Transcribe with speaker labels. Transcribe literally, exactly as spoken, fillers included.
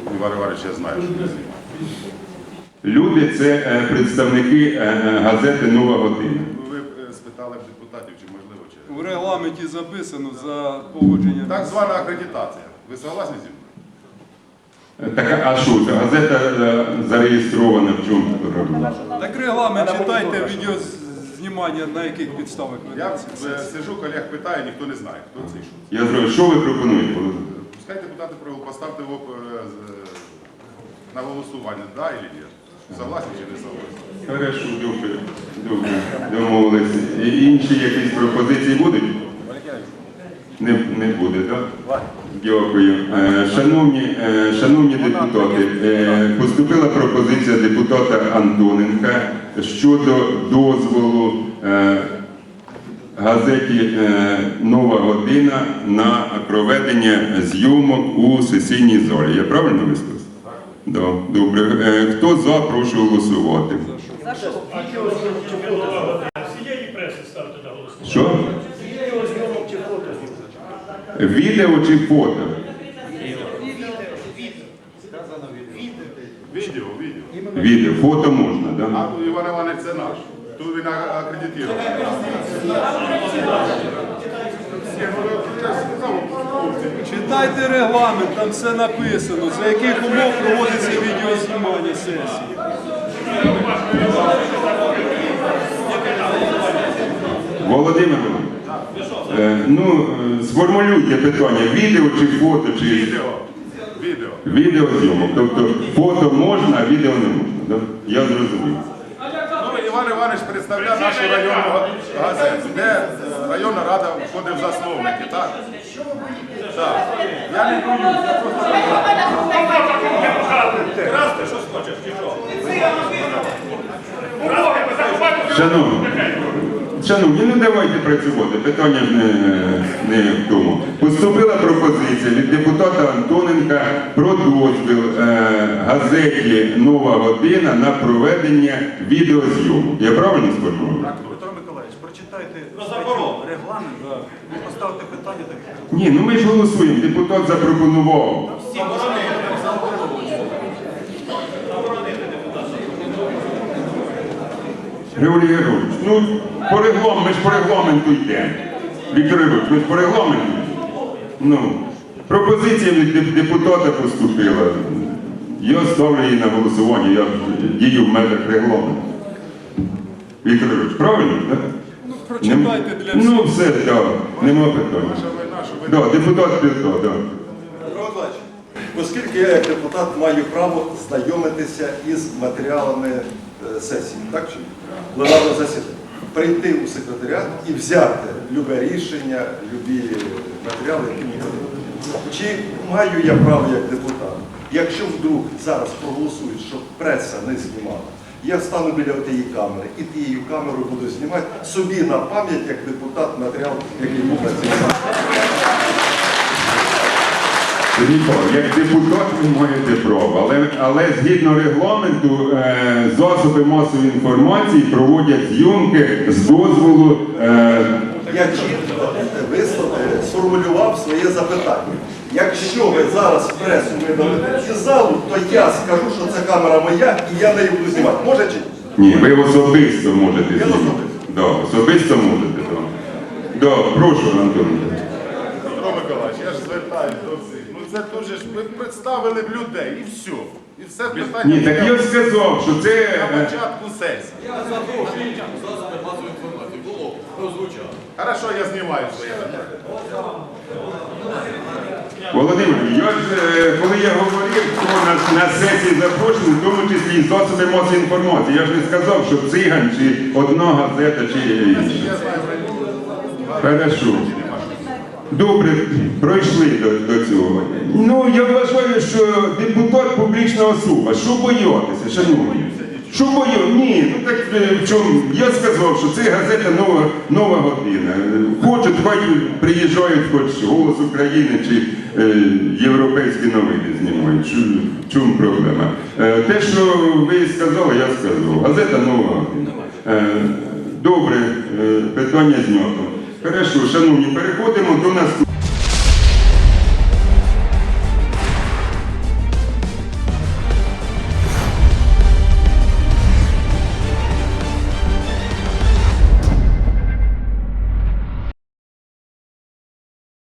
Speaker 1: Іван Іванович, я знаю, що не знімає.
Speaker 2: Люди – це представники газети «Нова година».
Speaker 1: Ви спитали б депутатів, чи можливо, чи...
Speaker 3: У регламенті записано за погодження.
Speaker 1: Так звана акредитація. Ви согласні зі мною?
Speaker 2: Так, а що це? Газета зареєстрована в чому проблема?
Speaker 3: Так регламент читайте, відеознімання на яких підставах
Speaker 1: Я
Speaker 3: ведеться.
Speaker 1: е, сижу, колег питаю, ніхто не знає, хто це і що.
Speaker 2: Я зрозумів, що ви пропонуєте?
Speaker 1: Пускай депутати поставте його е, з- на голосування, да или ні. Согласні чи не согласні?
Speaker 2: Хорошо, добре, добре, домовилися. І інші якісь пропозиції будуть? Не, не буде, так? Дякую. Е, Шановні, е, шановні депутати, е, поступила пропозиція депутата Антоненка щодо дозволу е, газеті е, «Нова година» на проведення зйомок у сесійній залі. Я правильно висловився? Да, добре. Е, Хто за, прошу голосувати.
Speaker 4: Всієї преси ставте на голосування.
Speaker 2: Що? Відео чи фото?
Speaker 1: Відео, відео.
Speaker 2: Відео. Фото можна, так? Да?
Speaker 1: А Іван Іванович це наш. Тут він акредитований.
Speaker 3: Читайте регламент, там все написано, за яких умов проводиться відеознімання сесії.
Speaker 2: Володимир, е, ну, е, сформулюйте питання, відео чи фото, чи
Speaker 1: Відео. Відео.
Speaker 2: відеозйомок. Тобто фото можна, а відео не можна. Да? Я зрозумів.
Speaker 1: Ну, Іван Іванович представляє нашу районну газету, де е, районна рада входить в засновники, так? Так. Я не боюсь, я просто...
Speaker 4: Красти, що хочеш, чи що?
Speaker 2: Шановні, шановні, ну давайте працювати, питання ж не, не в тому. Поступила пропозиція від депутата Антоненка про дозвіл е, газеті «Нова година» на проведення відеозйомок. Я правильно сформулював?
Speaker 5: Петро Миколаївич, прочитайте регламент і поставте питання таке.
Speaker 2: Ні, ну ми ж голосуємо, депутат запропонував. Григорій Георгійович, ну по регламенту, ми ж по регламенту йдемо. Віктор Григорович, ми ж по регламенту йдемо. Ну, пропозиція від деп- депутата поступила. Я ставлю її на голосування, я дію в межах регламенту. Віктор Григорович, правильно, так?
Speaker 3: Ну, прочитайте для всіх.
Speaker 2: Ну все, так, нема питань.
Speaker 1: Наша війна, що ви...
Speaker 2: Да, депутат Петро, так.
Speaker 6: Петро Миколаївич, оскільки я як депутат маю право знайомитися із матеріалами е, сесії, так чи ні? Пленарного засідання, прийти у секретаріат і взяти любе рішення, любі матеріали, які мені потрібні. Чи маю я право як депутат, якщо вдруг зараз проголосують, щоб преса не знімала, я встану біля тієї камери і тією камерою буду знімати собі на пам'ять як депутат матеріал, який був на цій сесії.
Speaker 2: Віктор, як депутат ви маєте право, але, але згідно регламенту е, засоби масової інформації проводять зйомки з дозволу. Е,
Speaker 6: Я чітко висловив, сформулював своє запитання. Якщо ви зараз пресу видалите із залу, то я скажу, що це камера моя і я нею буду знімати. Може чи ні?
Speaker 2: ні, ви особисто можете
Speaker 6: Я
Speaker 2: знімати.
Speaker 6: особисто.
Speaker 2: Да, особисто можете. Да. Да, прошу, Антон.
Speaker 1: Петро Миколаївич, я ж звертаюсь до всіх. Ну це дуже ж, ви представили б людей і все. І все питання...
Speaker 2: Ні, так я ж сказав, що це...
Speaker 1: На
Speaker 2: е,
Speaker 1: початку сесії.
Speaker 7: Я запрошую засоби масової інформації. Було, прозвучало.
Speaker 1: Хорошо, я знімаю своє питання.
Speaker 2: Володимир, я ж, е, коли я говорив, хто на, на сесії запрошений, в тому числі і засоби масової інформації, я ж не сказав, що циган, чи одна газета, чи інша.
Speaker 1: Я знаю,
Speaker 2: Хорошо. Добре, пройшли до, до цього. Ну, я вважаю, що депутат публічна особа. Що боятися, шановні? Що боятися? Ні, ну так е, в чому? Я сказав, що це газета «Нова, нова година». Хочуть, хай приїжджають, хоч «Голос України» чи е, європейські новини знімають. Що, в чому проблема? Е, те, що ви сказали, я сказав. Газета «Нова година». Е, добре, е, питання знято. Хорошо, шановні, переходимо до наступного.